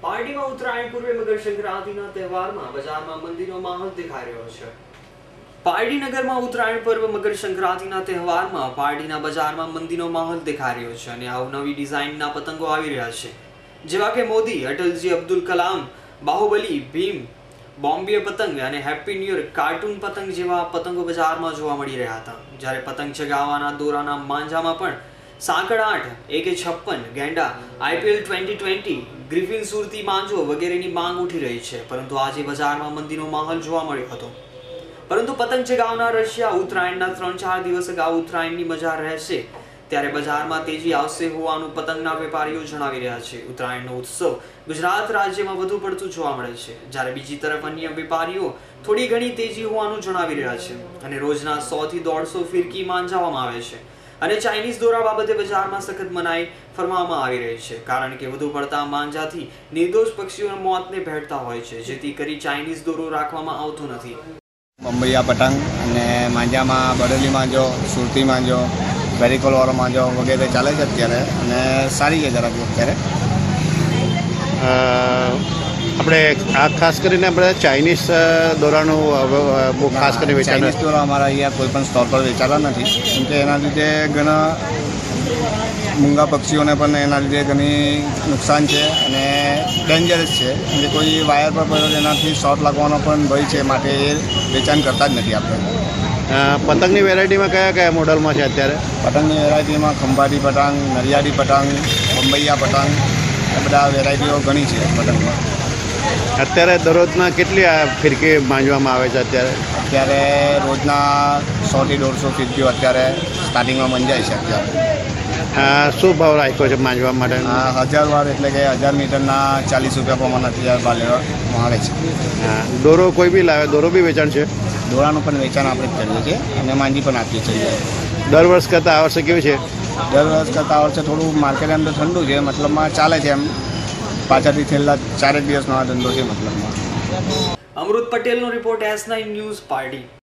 પાર્ટીમાં ઉત્તરાયણ પૂર્વે મકર સંક્રાંતિના તહેવારમાં બજારમાં મંદીનો માહોલ દેખાઈ રહ્યો છે। પારડીનગરમાં ઉત્તરાયણ પર્વ મકર સંક્રાંતિના તહેવારમાં પારડીના બજારમાં મંદીનો માહોલ દેખાઈ રહ્યો છે અને અવનવી ડિઝાઇનના પતંગો આવી રહ્યા છે, જેવા કે મોદી, અટલજી, અબ્દુલ કલામ, બાહુબલી, ભીમ, બોમ્બે પતંગ અને હેપી ન્યૂ યર કાર્ટૂન પતંગ જેવા પતંગો બજારમાં જોવા મળી રહ્યા હતા। જ્યારે પતંગ ચગાવવાના દોરાના માંજામાં પણ સાંકળ 8, AK56, ગેંડા, IPL 2020, ગ્રિફિન સુરતી માંજો વગેરેની માંગ ઉઠી રહી છે, પરંતુ આજે બજારમાં મંદીનો માહોલ જોવા મળ્યો હતો। પરંતુ પતંગ ચગાવનાર રશિયા ઉત્તરાયણના 3-4 દિવસ અગાઉ ઉત્તરાયણની મજા રહેશે ત્યારે બજારમાં તેજી આવશે હોવાનું પતંગના વેપારીઓ જણાવી રહ્યા છે। ઉત્તરાયણનો ઉત્સવ ગુજરાત રાજ્યમાં વધુ પડતું જોવા મળે છે, જ્યારે બીજી તરફ અન્ય વેપારીઓ થોડી ઘણી તેજી હોવાનું જણાવી રહ્યા છે અને રોજના 100 થી 150 ફિરકી માંજાવવામાં આવે છે અને ચાઇનીઝ દોરા બાબતે બજારમાં સખત મનાઈ ફરમાવવામાં આવી રહી છે, કારણ કે વધુ પડતા માંજાથી નિર્દોષ પક્ષીઓના મોતને ભેટતા હોય છે, જેથી કરી ચાઇનીઝ દોરો રાખવામાં આવતો નથી। બંબૈયા પતંગ અને માંજામાં બરેલી માંજો, સુરતી માંજો, વેરિકોલવાળો માંજો વગેરે ચાલે છે અત્યારે અને સારી છે જરાક અત્યારે। આપણે આ ખાસ કરીને આપણે ચાઇનીઝ દોરાનું બહુ ખાસ કરીને વેચાણ ચાઇનીઝ દોરા અમારા અહીંયા કોઈ પણ સ્ટોર પર વેચાતા નથી, કેમ કે એના લીધે ઘણા મૂંગા પક્ષીઓને પણ એના લીધે ઘણી નુકસાન છે અને ડેન્જરસ છે, કેમ કે કોઈ વાયર પર પડ્યો એનાથી શોર્ટ લાગવાનો પણ ભય છે, માટે એ વેચાણ કરતા જ નથી આપણે। પતંગની વેરાયટીમાં કયા કયા મોડલમાં છે અત્યારે? પતંગની વેરાયટીમાં ખંભાતી પતંગ, નરિયાળી પતંગ, બંબૈયા પતંગ, એ બધા વેરાયટીઓ ઘણી છે પતંગમાં। અત્યારે દરરોજના કેટલી ફિરકી માંજવામાં આવે છે? અત્યારે રોજના 100 થી 150 ફિરકીઓ અત્યારે સ્ટાર્ટિંગમાં મંજાય છે। અત્યારે શું ભાવ રાખ્યો છે માંજવા માટે? 1000 વાર એટલે કે 1000 મીટરના 40 રૂપિયા પ્રમાણે અત્યારે ભાવ લેવામાં આવે છે। દોરો કોઈ બી લાવે? દોરો બી વેચાણ છે? દોરાનું પણ વેચાણ આપણે જ કરીએ છીએ અને માંજી પણ આપીએ છીએ। દર વર્ષ કરતાં આ વર્ષે કેવું છે? દર વર્ષ કરતાં આ વર્ષે થોડું માર્કેટ એમ તો ઠંડુ છે, મતલબમાં ચાલે છે, એમ પાછળથી છેલ્લા 4 દિવસનો આ ધંધો છે મતલબમાં। અમૃત પટેલનો રિપોર્ટ S9 ન્યૂઝ, પારડી।